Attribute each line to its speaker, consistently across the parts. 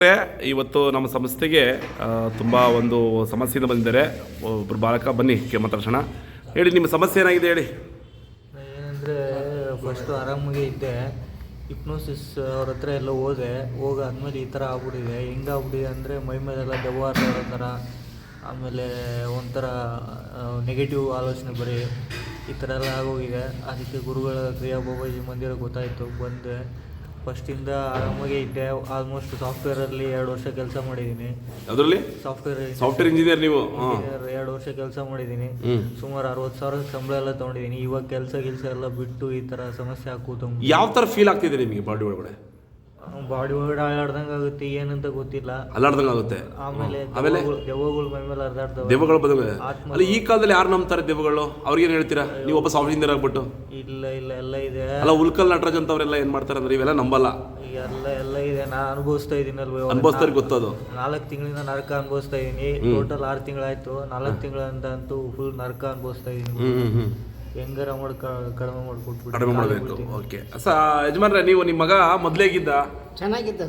Speaker 1: ಇವತ್ತು ನಮ್ಮ ಸಂಸ್ಥೆಗೆ ತುಂಬ ಒಂದು ಸಮಸ್ಯೆಯಿಂದ ಬಂದಿದ್ದಾರೆ. ಒಬ್ಬರು ಬಾಲಕ, ಬನ್ನಿ ಮಾತಾಡ್ಸೋಣ. ಹೇಳಿ, ನಿಮ್ಮ ಸಮಸ್ಯೆ ಏನಾಗಿದೆ ಹೇಳಿ.
Speaker 2: ಏನಂದರೆ ಫಸ್ಟು ಆರಾಮಾಗಿ ಇದ್ದೆ. ಹಿಪ್ನೋಸಿಸ್ ಅವ್ರ ಹತ್ರ ಎಲ್ಲ ಹೋಗಾದ್ಮೇಲೆ ಈ ಥರ ಆಗ್ಬಿಟ್ಟಿದೆ. ಹೆಂಗಾಗ್ಬಿಟ್ಟಿದೆ ಅಂದರೆ ಮೈ ಮೇಲೆಲ್ಲ ದೆವ್ವ ಆಡೋ ಥರ, ಆಮೇಲೆ ಒಂಥರ ನೆಗೆಟಿವ್ ಆಲೋಚನೆ ಬರೀ ಈ ಥರ ಎಲ್ಲ ಆಗೋಗಿದೆ. ಅದಕ್ಕೆ ಗುರುಗಳ ಕ್ರಿಯಾ ಬಾಬಾಜಿ ಮಂದಿರ ಗೊತ್ತಾಯಿತು, ಬಂದೆ. ಫಸ್ಟಿಂದ ಆರಾಮಾಗೆ ಇದ್ದೆ. ಆಲ್ಮೋಸ್ಟ್ ಸಾಫ್ಟ್ವೇರಲ್ಲಿ 2 ವರ್ಷ ಕೆಲಸ ಮಾಡಿದ್ದೀನಿ.
Speaker 1: ಅದರಲ್ಲಿ ಸಾಫ್ಟ್ವೇರ್ ಇಂಜಿನಿಯರ್ ನೀವು?
Speaker 2: 2 ವರ್ಷ ಕೆಲಸ ಮಾಡಿದ್ದೀನಿ. ಸುಮಾರು 60,000 ಸಂಬಳ ಎಲ್ಲ ತೊಗೊಂಡಿದ್ದೀನಿ. ಇವಾಗ ಕೆಲಸ ಎಲ್ಲ ಬಿಟ್ಟು ಈ ಥರ ಸಮಸ್ಯೆ ಹಾಕೂತು.
Speaker 1: ಯಾವ ಥರ ಫೀಲ್ ಆಗ್ತಿದೆ ನಿಮಗೆ? ಬಾಡಿ ಒಳಗಡೆ
Speaker 2: ಒಳಗಡೆ ಅಲ್ಲಾಡ್ದಂಗೆ ಆಗುತ್ತೆ, ಏನಂತ ಗೊತ್ತಿಲ್ಲ,
Speaker 1: ಅಲ್ಲಾಡ್ದಂಗೆ ಆಗುತ್ತೆ.
Speaker 2: ಆಮೇಲೆ ದೆವ್ವಗಳು ಮೈ ಮೇಲೆ ಹರಿದಾಡ್ತವೆ.
Speaker 1: ದೆವ್ವಗಳು ಬದಲು ಅಲ್ಲ, ಈ ಕಾಲದಲ್ಲಿ ಯಾರು ನಂಬ್ತಾರೆ ದೆವ್ವಗಳು? ಅವ್ರಿಗೇನು ಹೇಳ್ತೀರಾ ನೀವು? ಒಬ್ಬ ಸಾಫ್ಟ್ ಇಂಜಿನಿಯರ್ ಆಗ್ಬಿಟ್ಟು.
Speaker 2: ಇಲ್ಲ ಎಲ್ಲ ಇದೆ.
Speaker 1: ಅಲ್ಲ, ಉಲ್ಕಲ್ ನಟರಾಜ್ ಅಂತವ್ರೆಲ್ಲ ಏನು ಮಾಡ್ತಾರೆ ಅಂದ್ರೆ ಇವೆಲ್ಲ ನಂಬಲ್ಲ.
Speaker 2: ಎಲ್ಲ ಇದೆ. ನಾನು ಅನುಭವಿಸ್ತಾ ಇದ್ದೀನಿ ಅಲ್ವ,
Speaker 1: ಅನುಭವಿಸ್ತಾರೆ, ಗೊತ್ತದು.
Speaker 2: 4 ತಿಂಗಳಿಂದ ನರಕ ಅನುಭವಿಸ್ತಾ ಇದ್ದೀನಿ. ಟೋಟಲ್ 6 ತಿಂಗಳಾಯ್ತು. 4 ತಿಂಗಳಿಂದ ಅಂತೂ ಫುಲ್ ನರಕ ಅನುಭವಿಸ್ತಾ ಇದ್ದೀನಿ. ಹೆಂಗಾರ ಕಡಿಮೆ
Speaker 1: ಮಾಡಬೇಕು. ಓಕೆ ಯಜಮಾನ್ರೆ, ನೀವು ನಿಮ್ಮ ಮಗ ಮೊದಲೇಗಿದ್ದ ಚೆನ್ನಾಗಿದ್ದ?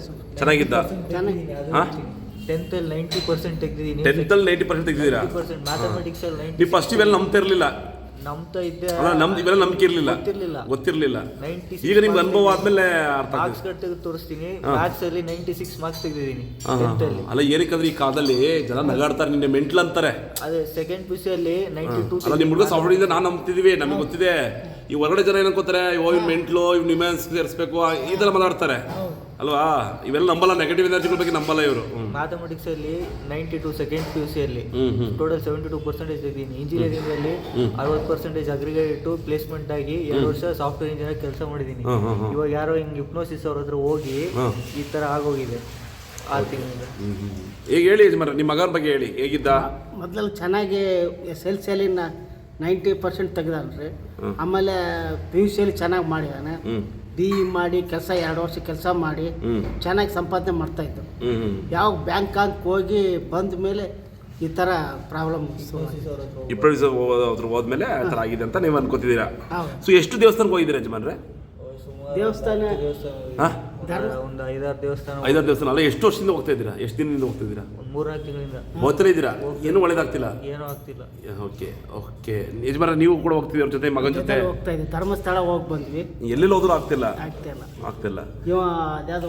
Speaker 2: 10th 90% ತೆಗ್ದಿದ್ದೀನಿ.
Speaker 1: 10th 90% ತೆಗ್ದಿದ್ದೀರಾ?
Speaker 2: ಮ್ಯಾಥಮೆಟಿಕ್ಸ್ ಅಲ್ಲಿ 90.
Speaker 1: ನೀವು ಫಸ್ಟ್ ಇವೆಲ್ಲ ನಂಬ್ತಿರ್ಲಿಲ್ಲ?
Speaker 2: ನಂಬ್ತಾ ಇದ್ದೆ.
Speaker 1: ಇವೆಲ್ಲ ನಂಬಿಕೆ ಗೊತ್ತಿರ್ಲಿಲ್ಲ. ಈಗ ನಿಮ್ಗೆ ಅನುಭವ ಆದ್ಮೇಲೆ ಅರ್ಥ
Speaker 2: ಮಾರ್ಕ್ಸ್ ತೆಗೆದು ತೋರಿಸ್ತೀನಿ. ಮ್ಯಾಥ್ಸ್ ಅಲ್ಲಿ 96 ಮಾರ್ಕ್ಸ್ ತೆಗ್ದಿದ್ದೀನಿ.
Speaker 1: ಅಲ್ಲ, ಏನಕ್ಕಂದ್ರೆ ಈ ಕಾಲದಲ್ಲಿ ಜನ ನಗಾಡ್ತಾರೆ, ನಿನ್ನೆ ಮೆಂಟ್ಲ್ ಅಂತಾರೆ.
Speaker 2: ಅದೇ ಸೆಕೆಂಡ್ ಪಿ ಸಿ ಅಲ್ಲಿ 92.
Speaker 1: ಅಲ್ಲ, ನಿಮ್ಮ ಹುಡುಗ ಸಾಫ್ಟ್ವೇರ್ ಇಂದ ನಾನು ನಂಬ್ತಿದೀವಿ, ನಮಗೆ ಗೊತ್ತಿದೆ. ಈ ಹೊರಗಡೆ ಜನ ಏನಂಕೋತಾರೆ, ಇವ್ ಮೆಂಟ್ಲು, ಇವ್ ನಿಮ್ಯಾನ್ಸ್ ಸೇರಿಸ್ಬೇಕು, ಈ ತರ ಮಾತಾಡ್ತಾರೆ ಅಲ್ವಾ? ಇವೆಲ್ಲ ನಂಬಲ್ಲ, ನೆಗೆಟಿವ್ ಎನರ್ಜಿಗಳ ಬಗ್ಗೆ ನಂಬಲ್ಲ ಇವರು.
Speaker 2: ಮ್ಯಾಥಮೆಟಿಕ್ಸ್ ಅಲ್ಲಿ 92 ಸೆಕೆಂಡ್ ಪಿ ಯು ಸಿ ಅಲ್ಲಿ ಟೋಟಲ್ 72% ಇದ್ದೀನಿ. ಇಂಜಿನಿಯರಿಂಗ್ ಅಲ್ಲಿ 60% ಅಗ್ರಿಗೇಟ್ ಇಟ್ಟು ಪ್ಲೇಸ್ಮೆಂಟ್ ಆಗಿ 2 ವರ್ಷ ಸಾಫ್ಟ್ವೇರ್ ಇಂಜಿನಿಯರ್ ಕೆಲಸ ಮಾಡಿದ್ದೀನಿ. ಇವಾಗ ಯಾರೋ ಹಿಂಗೆ ಹಿಪ್ನೋಸಿಸ್ ಅವ್ರ ಹತ್ರ ಹೋಗಿ ಈ ತರ ಆಗೋಗಿದೆ 6 ತಿಂಗಳಿಂದ.
Speaker 1: ಈಗ ಹೇಳಿ ಯಜಮಾನ್ರೆ, ನಿಮ್ಮ ಮಗನ ಬಗ್ಗೆ ಹೇಳಿ, ಹೇಗಿದ್ದ?
Speaker 3: ಮೊದಲು ಚೆನ್ನಾಗಿ SLC 90% ತೆಗ್ದಾನ್ರಿ. ಆಮೇಲೆ PUC ಚೆನ್ನಾಗಿ ಮಾಡಿದಾನೆ. BE ಮಾಡಿ ಕೆಲಸ 2 ವರ್ಷ ಕೆಲಸ ಮಾಡಿ ಚೆನ್ನಾಗಿ ಸಂಪಾದನೆ ಮಾಡ್ತಾ ಇತ್ತು. ಯಾವ ಬ್ಯಾಂಕ್ ಹೋಗಿ ಬಂದ ಮೇಲೆ ಈ ಥರ ಪ್ರಾಬ್ಲಮ್
Speaker 1: ಹೋದ್ಮೇಲೆ ಆ ಥರ ಆಗಿದೆ ಅಂತ ನೀವು ಅನ್ಕೋತಿದ್ದೀರಾ? ಸೊ ಎಷ್ಟು ದೇವಸ್ಥಾನಕ್ಕೆ ಹೋಗಿದ್ದೀರಾ ಯಜಮಾನ್ರೆ?
Speaker 3: ದೇವಸ್ಥಾನ
Speaker 2: ಒಂದು 5-6 ದೇವಸ್ಥಾನ.
Speaker 1: 5-6 ದೇವಸ್ಥಾನ ಅಲ್ಲ, ಎಷ್ಟು ವರ್ಷದಿಂದ ಹೋಗ್ತಾ ಇದ್ದೀರಾ? ಎಷ್ಟು ದಿನದಿಂದ ಹೋಗ್ತಾ ಇದ್ದೀರಾ?
Speaker 2: 3-4 ತಿಂಗಳಿಂದ
Speaker 1: ಹೋಗ್ತಾನೆ ಇದ್ದೀರಾ? ಏನು ಒಳ್ಳೇದಾಗ್ತಿಲ್ಲ?
Speaker 2: ಏನೂ ಆಗ್ತಿಲ್ಲ.
Speaker 1: ಓಕೆ ಯಜಮಾನ್ರೆ, ನೀವು ಕೂಡ ಹೋಗ್ತಿದ್ದೀರ ಅವ್ರ ಜೊತೆ, ಮಗನ ಜೊತೆ?
Speaker 3: ಹೋಗ್ತಾ ಇದ್ದೀವಿ. ಧರ್ಮಸ್ಥಳ ಹೋಗಿ ಬಂದ್ವಿ.
Speaker 1: ಎಲ್ಲೆಲ್ಲಿ ಹೋದ್ರೂ ಆಗ್ತಿಲ್ಲ.
Speaker 3: ಇವ ಅದ್ಯಾವುದು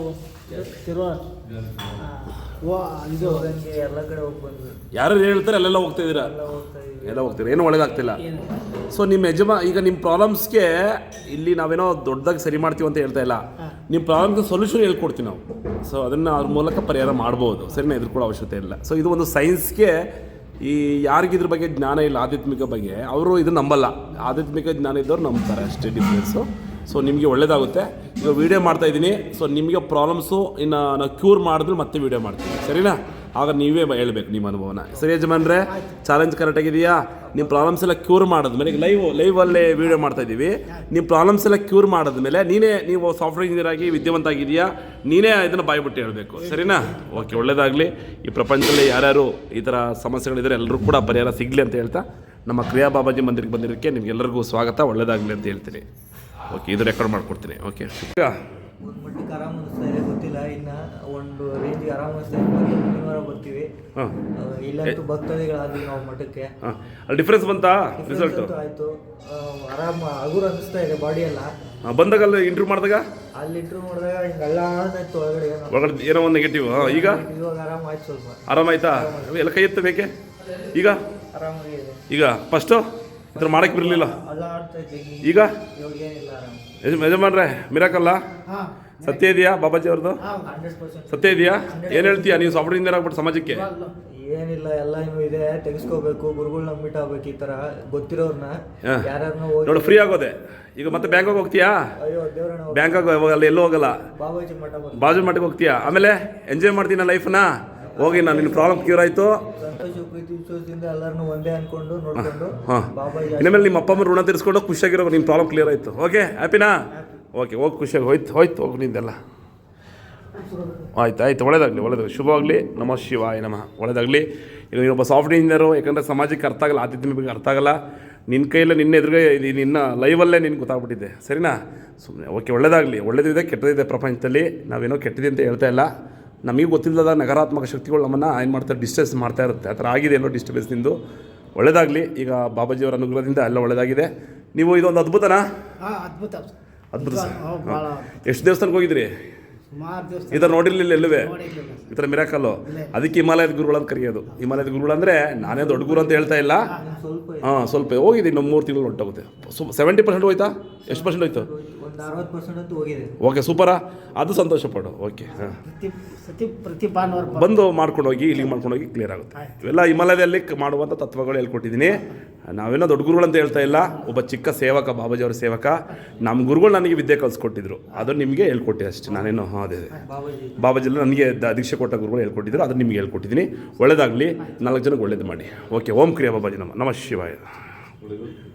Speaker 3: ಇದು
Speaker 2: ಎಲ್ಲ ಕಡೆ ಹೋಗಿ ಬಂದ್ವಿ.
Speaker 1: ಯಾರು ಹೇಳ್ತಾರೆ ಅಲ್ಲೆಲ್ಲ ಹೋಗ್ತಾ ಇದ್ದೀರಾ? ಎಲ್ಲ ಹೋಗ್ತೀರಾ, ಏನು ಒಳ್ಳೇದಾಗ್ತಿಲ್ಲ. ಸೊ ನಿಮ್ಮ ಈಗ ನಿಮ್ಮ ಪ್ರಾಬ್ಲಮ್ಸ್ಗೆ ಇಲ್ಲಿ ನಾವೇನೋ ದೊಡ್ಡದಾಗಿ ಸರಿ ಮಾಡ್ತೀವಿ ಅಂತ ಹೇಳ್ತಾ ಇಲ್ಲ. ನಿಮ್ಮ ಪ್ರಾಬ್ಲಮ್ಗೆ ಸೊಲ್ಯೂಷನ್ ಹೇಳ್ಕೊಡ್ತೀವಿ ನಾವು. ಸೊ ಅದನ್ನು ಅವ್ರ ಮೂಲಕ ಪರಿಹಾರ ಮಾಡ್ಬೋದು, ಸರಿನಾ? ಎದುರ್ಕೊಳ್ಳೋ ಅವಶ್ಯಕತೆ ಇಲ್ಲ. ಸೊ ಇದು ಒಂದು ಸೈನ್ಸ್ಗೆ ಈ ಯಾರಿಗಿದ್ರ ಬಗ್ಗೆ ಜ್ಞಾನ ಇಲ್ಲ, ಆಧ್ಯಾತ್ಮಿಕ ಬಗ್ಗೆ, ಅವರು ಇದನ್ನು ನಂಬಲ್ಲ. ಆಧ್ಯಾತ್ಮಿಕ ಜ್ಞಾನ ಇದ್ದವ್ರು ನಂಬ್ತಾರೆ, ಅಷ್ಟೇ ಡಿಫ್ರೆನ್ಸು. ಸೊ ನಿಮಗೆ ಒಳ್ಳೇದಾಗುತ್ತೆ. ಈಗ ವೀಡಿಯೋ ಮಾಡ್ತಾಯಿದ್ದೀನಿ. ಸೊ ನಿಮಗೆ ಪ್ರಾಬ್ಲಮ್ಸು ಇನ್ನು ನಾವು ಕ್ಯೂರ್ ಮಾಡಿದ್ರೆ ಮತ್ತೆ ವೀಡಿಯೋ ಮಾಡ್ತೀನಿ, ಸರಿನಾ? ಆಗ ನೀವೇ ಹೇಳ್ಬೇಕು ನಿಮ್ಮ ಅನುಭವನ. ಸರಿ ಯಜಮಾನ್ರೆ, ಚಾಲೆಂಜ್ ಕರೆಕ್ಟಾಗಿದೆಯಾ? ನಿಮ್ಮ ಪ್ರಾಬ್ಲಮ್ಸ್ ಎಲ್ಲ ಕ್ಯೂರ್ ಮಾಡಿದ್ಮೇಲೆ, ಈಗ ಲೈವಲ್ಲೇ ವೀಡಿಯೋ ಮಾಡ್ತಾಯಿದ್ದೀವಿ. ನಿಮ್ಮ ಪ್ರಾಬ್ಲಮ್ಸ್ ಎಲ್ಲ ಕ್ಯೂರ್ ಮಾಡಿದ್ಮೇಲೆ ನೀವು ಸಾಫ್ಟ್ವೇರ್ ಇಂಜಿನಿಯರ್ ಆಗಿ ವಿದ್ಯಾವಂತ ಆಗಿದೆಯಾ, ನೀನೇ ಇದನ್ನು ಬಾಯ್ಬಿಟ್ಟು ಹೇಳಬೇಕು, ಸರಿನಾ? ಓಕೆ, ಒಳ್ಳೇದಾಗಲಿ. ಈ ಪ್ರಪಂಚದಲ್ಲಿ ಯಾರ್ಯಾರು ಈ ಥರ ಸಮಸ್ಯೆಗಳಿದ್ದಾರೆ ಎಲ್ಲರೂ ಕೂಡ ಪರಿಹಾರ ಸಿಗಲಿ ಅಂತ ಹೇಳ್ತಾ, ನಮ್ಮ ಕ್ರಿಯಾ ಬಾಬಾಜಿ ಮಂದಿರಕ್ಕೆ ಬಂದಿರೋಕ್ಕೆ ನಿಮಗೆಲ್ಲರಿಗೂ ಸ್ವಾಗತ, ಒಳ್ಳೇದಾಗಲಿ ಅಂತ ಹೇಳ್ತೀನಿ. ಓಕೆ, ಇದು ರೆಕಾರ್ಡ್ ಮಾಡ್ಕೊಡ್ತೀನಿ. ಓಕೆ,
Speaker 2: ಒಂದು ಮಟ್ಟಿಗೆ ಆರಾಮ ಅನಿಸ್ತಾ ಇದೆ, ಗೊತ್ತಿಲ್ಲ ಇನ್ನು ಒಂದು ರೇಂಜಿಗೆ ಆರಾಮ ಅನಿಸ್ತಾ ಇದೆ. ಮತ್ತೆ ಮುಂದಿನ ಬರ್ತೀವಿ. ಇಲ್ಲಂತೂ ಭಕ್ತಾದಿಗಳಾದ್ವಿ ನಾವು ಮಠಕ್ಕೆ.
Speaker 1: ಡಿಫ್ರೆನ್ಸ್ ಬಂತಾ? ರಿಸಲ್ಟ್
Speaker 2: ಆಯಿತು. ಆರಾಮ ಹಗುರ ಅನಿಸ್ತಾ ಇದೆ ಬಾಡಿ ಎಲ್ಲ.
Speaker 1: ಬಂದಾಗ ಅಲ್ಲಿ ಇಂಟರ್ವ್ಯೂ ಮಾಡಿದಾಗ
Speaker 2: ಅಲ್ಲಿ ಇಂಟರ್ವ್ಯೂ ಮಾಡಿದಾಗ ಹಿಂಗೆ ಎಲ್ಲ ಆಡ್ತಾಯಿತ್ತು
Speaker 1: ಒಳಗಡೆ ಏನೋ ಒಂದು ನೆಗೆಟಿವ್. ಈಗ
Speaker 2: ಇವಾಗ ಆರಾಮ ಆಯ್ತು, ಸ್ವಲ್ಪ
Speaker 1: ಆರಾಮಾಯ್ತಾ? ಎಲ್ಲ ಕೈ ಎತ್ತ ಬೇಕೆ? ಈಗ
Speaker 2: ಆರಾಮಾಗಿದೆ.
Speaker 1: ಈಗ ಫಸ್ಟು ಈ ಥರ ಮಾಡೋಕ್ಕೆ ಬರಲಿಲ್ಲ,
Speaker 2: ಎಲ್ಲ ಆಡ್ತಾ ಇದ್ದೀನಿ.
Speaker 1: ಈಗ
Speaker 2: ಇವಾಗ ಏನಿಲ್ಲ, ಆರಾಮ.
Speaker 1: ಯಜಮಾನ್ರೆ, ಮಿರಾಕಲ್ಲ ಸತ್ಯ ಇದೆಯಾ ಬಾಬಾಜಿ ಅವ್ರದ್ದು?
Speaker 2: 100%
Speaker 1: ಸತ್ಯ ಇದೆಯಾ? ಏನು ಹೇಳ್ತೀಯಾ ನೀವು ಸಾಫ್ಟ್ವೇರ್ ಇಂಜಿನಿಯರ್ ಆಗ್ಬಿಟ್ಟು ಸಮಾಜಕ್ಕೆ?
Speaker 2: ಏನಿಲ್ಲ, ಎಲ್ಲ ಇದೆ, ತೆಗೆಸ್ಕೋಬೇಕು, ಗುರುಗಳನ್ನ ಮೀಟ್ ಆಗ್ಬೇಕು. ಈ ತರ ಗೊತ್ತಿರೋರ್ನ ಯಾರನ್ನ
Speaker 1: ನೋಡಿ, ಫ್ರೀ ಆಗೋದೆ. ಈಗ ಮತ್ತೆ ಬ್ಯಾಂಕಾಗಿ ಹೋಗ್ತೀಯಾ?
Speaker 2: ಅಯ್ಯೋ ದೇವ್ರನ್ನ,
Speaker 1: ಬ್ಯಾಂಕಾಗಿ ಹೋಗಲ್ಲ, ಎಲ್ಲೂ ಹೋಗಲ್ಲ,
Speaker 2: ಬಾಬಾಜಿ
Speaker 1: ಮಠಕ್ಕೆ ಹೋಗ್ತೀಯಾ. ಆಮೇಲೆ ಎಂಜಾಯ್ ಮಾಡ್ತೀನ ಲೈಫ್ನ. ಹೋಗಿ ನಾನು ನಿನ್ನ ಪ್ರಾಬ್ಲಮ್ ಕ್ಯೂರ್ ಆಯಿತು,
Speaker 2: ಸಂತೋಷ ಪ್ರೀತಿ ವಿಶ್ವಾಸದಿಂದ ಎಲ್ಲರನ್ನೂ ಒಂದೇ ಅನ್ಕೊಂಡು ನೋಡ್ಕೊಂಡು ಬಾಬಾಜಿ
Speaker 1: ಇನ್ಮೇಲೆ ನಿಮ್ಮ ಅಪ್ಪ ಅಮ್ಮ ಋಣ ತೀರಿಸ್ಕೊಂಡು ಖುಷಿಯಾಗಿರೋ, ನಿಮ್ಮ ಪ್ರಾಬ್ಲಮ್ ಕ್ಲಿಯರ್ ಆಯಿತು. ಓಕೆ, ಹ್ಯಾಪಿನಾ? ಓಕೆ, ಹೋಗಿ ಖುಷಿಯಾಗಿ ಹೋಯ್ತು ಹೋಗಿ ನಿಂದೆಲ್ಲ ಆಯ್ತು. ಒಳ್ಳೇದಾಗಲಿ, ಶುಭವಾಗಲಿ. ನಮಃ ಶಿವಾಯ ನಮಃ. ಒಳ್ಳೇದಾಗಲಿ. ಈಗ ನೀನೊಬ್ಬ ಸಾಫ್ಟ್ವೇರ್ ಇಂಜಿನಿಯರು, ಯಾಕಂದರೆ ಸಮಾಜಕ್ಕೆ ಅರ್ಥ ಆಗಲ್ಲ, ಆಧ್ಯಾತ್ಮಿಕ ಬಗ್ಗೆ ಅರ್ಥ ಆಗಲ್ಲ. ನಿನ್ನ ಕೈಯಲ್ಲಿ ನಿನ್ನ ಎದುರುಗೆ ನಿನ್ನ ಲೈವಲ್ಲೇ ನಿನ್ಗೆ ಗೊತ್ತಾಗ್ಬಿಟ್ಟಿದೆ, ಸರಿನಾ? ಸುಮ್ಮನೆ ಓಕೆ, ಒಳ್ಳೇದಾಗಲಿ. ಒಳ್ಳೇದಿದೆ, ಕೆಟ್ಟದಿದೆ ಪ್ರಪಂಚದಲ್ಲಿ. ನಾವೇನೋ ಕೆಟ್ಟದಿದೆ ಅಂತ ಹೇಳ್ತಾ ಇಲ್ಲ. ನಮಗೆ ಗೊತ್ತಿಲ್ಲದ ನಕಾರಾತ್ಮಕ ಶಕ್ತಿಗಳು ನಮ್ಮನ್ನು ಏನು ಮಾಡ್ತಾರೆ, ಡಿಸ್ಟರ್ಬ್ ಮಾಡ್ತಾ ಇರುತ್ತೆ. ಆ ಥರ ಆಗಿದೆ ಎಲ್ಲೋ ಡಿಸ್ಟರ್ಬೆನ್ಸ್ ನಿಂದು. ಒಳ್ಳೆಯದಾಗಲಿ. ಈಗ ಬಾಬಾಜಿಯವರ ಅನುಗ್ರಹದಿಂದ ಎಲ್ಲ ಒಳ್ಳೆಯದಾಗಿದೆ. ನೀವು ಇದೊಂದು ಅದ್ಭುತನಾ?
Speaker 3: ಹಾಂ, ಅದ್ಭುತ
Speaker 1: ಅದ್ಭುತ ಸರ್.
Speaker 3: ಭಾಳ
Speaker 1: ಎಷ್ಟು ದೇವಸ್ಥಾನಕ್ಕೆ ಹೋಗಿದ್ರಿ?
Speaker 3: ಸುಮಾರು ದಿವಸ
Speaker 1: ಈ ಥರ ನೋಡಿರಲಿಲ್ಲ ಎಲ್ಲವೇ
Speaker 3: ನೋಡಿರ್ಲಿಲ್ಲ
Speaker 1: ಈ ಥರ ಮಿರಾಕಲ್ಲು. ಅದಕ್ಕೆ ಹಿಮಾಲಯದ ಗುರುಗಳು ಅಂತ ಕರೆಯೋದು. ಹಿಮಾಲಯದ ಗುರುಗಳು ಅಂದರೆ ನಾನೇ ದೊಡ್ಡ ಗುರು ಅಂತ ಹೇಳ್ತಾ ಇಲ್ಲ.
Speaker 2: ಸ್ವಲ್ಪ
Speaker 1: ಹಾಂ, ಸ್ವಲ್ಪ ಹೋಗಿದೆ. ಇನ್ನೊಂದು 3 ತಿಂಗಳು ಹೊರಟೋಗುತ್ತೆ. 70% ಹೋಯ್ತಾ? ಎಷ್ಟು ಪರ್ಸೆಂಟ್ ಹೋಯ್ತು?
Speaker 2: ಒಂದು 60% ಅಂತೂ ಹೋಗಿದೆ.
Speaker 1: ಓಕೆ, ಸೂಪರಾ. ಅದು ಸಂತೋಷ ಪಡು. ಓಕೆ, ಹಾಂ,
Speaker 3: ಪ್ರತಿ ಭಾನುವಾರ
Speaker 1: ಬಂದು ಮಾಡ್ಕೊಂಡು ಹೋಗಿ, ಇಲ್ಲಿಗೆ ಮಾಡ್ಕೊಂಡು ಹೋಗಿ ಕ್ಲಿಯರ್ ಆಗುತ್ತೆ. ಇವೆಲ್ಲ ಹಿಮಾಲಯದಲ್ಲಿ ಮಾಡುವಂಥ ತತ್ವಗಳು ಹೇಳ್ಕೊಟ್ಟಿದ್ದೀನಿ. ನಾವೇನೋ ದೊಡ್ಡ ಗುರುಗಳು ಅಂತ ಹೇಳ್ತಾ ಇಲ್ಲ. ಒಬ್ಬ ಚಿಕ್ಕ ಸೇವಕ, ಬಾಬಾಜಿಯವರ ಸೇವಕ. ನಮ್ಮ ಗುರುಗಳು ನನಗೆ ವಿದ್ಯೆ ಕಲಿಸ್ಕೊಟ್ಟಿದ್ರು, ಅದನ್ನು ನಿಮಗೆ ಹೇಳ್ಕೊಟ್ಟೆ ಅಷ್ಟೇ. ನಾನೇನು ಅದೇ ಬಾಬಾಜಿಲ್ಲ ನನಗೆ ದೀಕ್ಷೆ ಕೊಟ್ಟ ಗುರುಗಳು ಹೇಳ್ಕೊಟ್ಟಿದ್ರು, ಅದನ್ನು ನಿಮಗೆ ಹೇಳ್ಕೊಟ್ಟಿದ್ದೀನಿ. ಒಳ್ಳೇದಾಗಲಿ. 4 ಜನಕ್ಕೆ ಒಳ್ಳೇದು ಮಾಡಿ. ಓಕೆ, ಓಂ ಕ್ರಿಯಾ ಬಾಬಾಜಿ ನಮಃ ಶಿವಾಯ.